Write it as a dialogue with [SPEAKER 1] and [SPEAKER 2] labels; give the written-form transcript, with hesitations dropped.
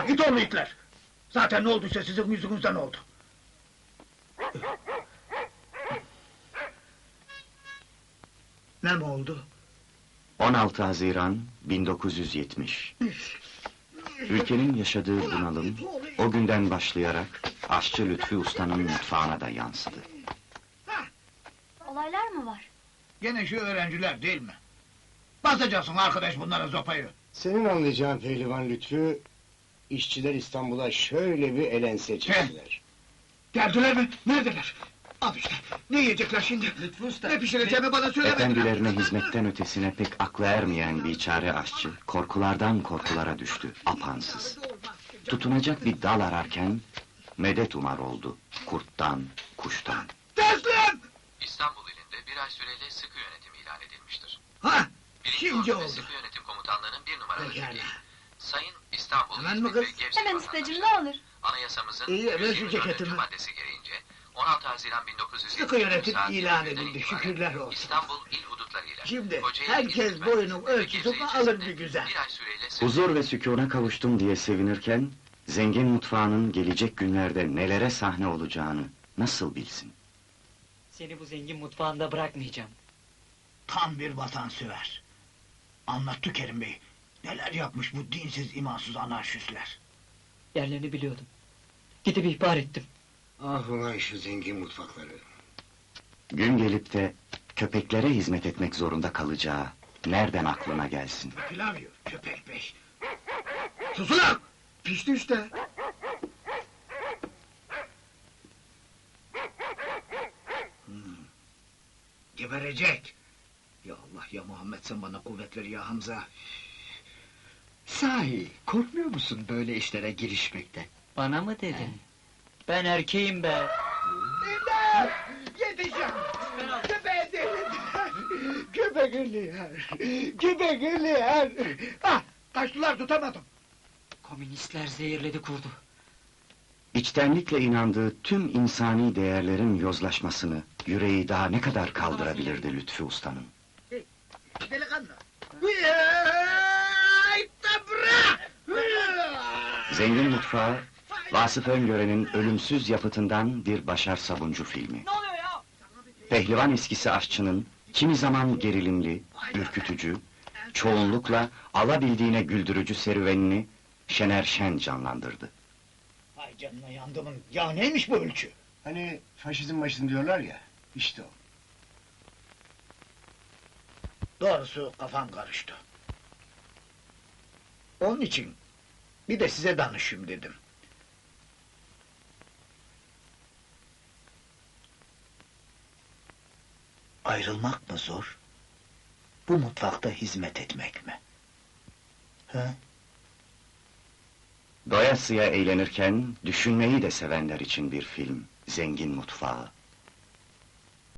[SPEAKER 1] Bırak git oğlu itler! Zaten ne olduysa sizin yüzünüzden oldu. 'Ne mi oldu?
[SPEAKER 2] 16 Haziran 1970. Ülkenin yaşadığı bunalım, o günden başlayarak aşçı Lütfü Usta'nın mutfağına da yansıdı.
[SPEAKER 3] Olaylar mı var?
[SPEAKER 1] Gene şu öğrenciler değil mi? Basacaksın arkadaş bunlara sopayı.
[SPEAKER 4] Senin anlayacağın pehlivan Lütfü, işçiler İstanbul'a şöyle bir elense çektiler.
[SPEAKER 1] Geldiler mi? Neredeler? Al işte, ne yiyecekler şimdi? Lütfü Usta, ne pişireceğimi bana söylemediler.
[SPEAKER 2] Efendilerine hizmetten ötesine pek aklı ermeyen biçare aşçı, korkulardan korkulara düştü, apansız. Tutunacak bir dal ararken, medet umar oldu, kurttan, kuştan.
[SPEAKER 1] Teslim!
[SPEAKER 5] İstanbul ilinde bir ay süreyle sıkı yönetim ilan edilmiştir.
[SPEAKER 1] Ha,
[SPEAKER 5] Birinci
[SPEAKER 1] şimdi
[SPEAKER 5] Ordu ve
[SPEAKER 1] oldu.
[SPEAKER 5] Sıkı Yönetim Komutanlığı'nın bir numaralı
[SPEAKER 1] Pekala.
[SPEAKER 5] vekili, Sayın İstanbul
[SPEAKER 1] Hemen mi
[SPEAKER 5] İzmit ve
[SPEAKER 1] kız?
[SPEAKER 5] Gevşek
[SPEAKER 3] Hemen ustacığım, ne olur.
[SPEAKER 5] Anayasamızın
[SPEAKER 1] İyi, ver şu
[SPEAKER 5] 124.
[SPEAKER 1] ceketimi.
[SPEAKER 5] maddesi gereğince 16 Haziran 1970
[SPEAKER 1] Sıkı yönetim
[SPEAKER 5] saat
[SPEAKER 1] ilan
[SPEAKER 5] 21'den
[SPEAKER 1] edildi,
[SPEAKER 5] itibaren
[SPEAKER 1] şükürler olsun.
[SPEAKER 5] İstanbul il hudutlarıyla
[SPEAKER 1] Şimdi
[SPEAKER 5] Kocaeli
[SPEAKER 1] herkes
[SPEAKER 5] İl
[SPEAKER 1] boyunun
[SPEAKER 5] Merkezi'nde ve
[SPEAKER 1] ölçüsünü
[SPEAKER 5] Gebze
[SPEAKER 1] alır
[SPEAKER 5] ilçesinde
[SPEAKER 1] bir güzel.
[SPEAKER 5] bir ay süreyle sıkı
[SPEAKER 2] Huzur ve sükûna kavuştum diye sevinirken, zengin mutfağının gelecek günlerde nelere sahne olacağını nasıl bilsin?
[SPEAKER 6] Seni bu zengin mutfağında bırakmayacağım.
[SPEAKER 1] Tam bir vatansever. Anlattı Kerim Bey. Neler yapmış bu dinsiz, imansız anarşistler.
[SPEAKER 6] Yerlerini biliyordum. Gidip ihbar ettim.
[SPEAKER 4] Ah ulan şu zengin mutfakları!
[SPEAKER 2] Gün gelip de köpeklere hizmet etmek zorunda kalacağı nereden aklına gelsin?
[SPEAKER 1] Pilav yiyor, köpek bey. Sus ulan! Pişti işte. Geberecek. Ya Allah ya Muhammed, sen bana kuvvet ver ya Hamza.
[SPEAKER 7] Sahi, korkmuyor musun böyle işlere girişmekten?
[SPEAKER 6] Bana mı dedin? Ben erkeğim be.
[SPEAKER 1] İmdat! Yetişin! Köpeğe delirdiler! Köpek ölüyor! Köpek ölüyor! Ah! Kaçtılar, tutamadım!
[SPEAKER 6] Komünistler zehirledi kurdu.
[SPEAKER 2] İçtenlikle inandığı tüm insani değerlerin yozlaşmasını yüreği daha ne kadar kaldırabilirdi Lütfü Usta'nın?
[SPEAKER 1] Delikanlı! Hıyyy! Tabra!
[SPEAKER 2] Zengin Mutfağı, Vasıf Öngören'in ölümsüz yapıtından bir Başar Sabuncu filmi.
[SPEAKER 6] Ne oluyor ya?
[SPEAKER 2] Pehlivan eskisi aşçının kimi zaman gerilimli, ürkütücü, çoğunlukla alabildiğine güldürücü serüvenini Şener Şen canlandırdı.
[SPEAKER 1] Ay canına yandımın, ya neymiş bu ölçü?
[SPEAKER 4] Hani faşizm başın diyorlar ya, işte o.
[SPEAKER 1] Doğrusu kafam karıştı. Onun için bir de size danışayım dedim. Ayrılmak mı zor? Bu mutfakta hizmet etmek mi? Ha?
[SPEAKER 2] Doyasıya eğlenirken düşünmeyi de sevenler için bir film, Zengin Mutfağı.